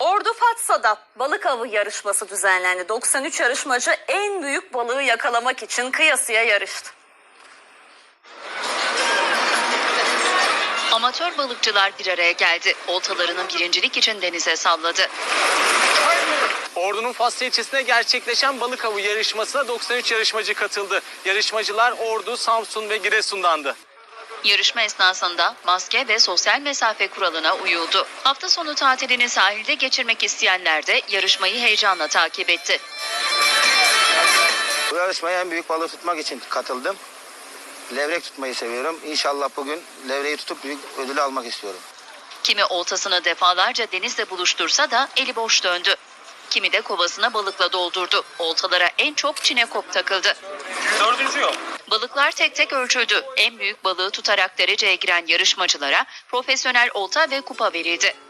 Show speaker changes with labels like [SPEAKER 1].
[SPEAKER 1] Ordu Fatsa'da balık avı yarışması düzenlendi. 93 yarışmacı en büyük balığı yakalamak için kıyasıya yarıştı.
[SPEAKER 2] Amatör balıkçılar bir araya geldi. Oltalarını birincilik için denize salladı.
[SPEAKER 3] Ordu'nun Fatsa ilçesinde gerçekleşen balık avı yarışmasına 93 yarışmacı katıldı. Yarışmacılar Ordu, Samsun ve Giresun'dandı.
[SPEAKER 2] Yarışma esnasında maske ve sosyal mesafe kuralına uyuldu. Hafta sonu tatilini sahilde geçirmek isteyenler de yarışmayı heyecanla takip etti.
[SPEAKER 4] Bu yarışmaya en büyük balığı tutmak için katıldım. Levrek tutmayı seviyorum. İnşallah bugün levreyi tutup büyük ödülü almak istiyorum.
[SPEAKER 2] Kimi oltasını defalarca denizle buluştursa da eli boş döndü. Kimi de kovasına balıkla doldurdu. Oltalara en çok çinekop takıldı.
[SPEAKER 3] 4. yol.
[SPEAKER 2] Balıklar tek tek ölçüldü. En büyük balığı tutarak dereceye giren yarışmacılara profesyonel olta ve kupa verildi.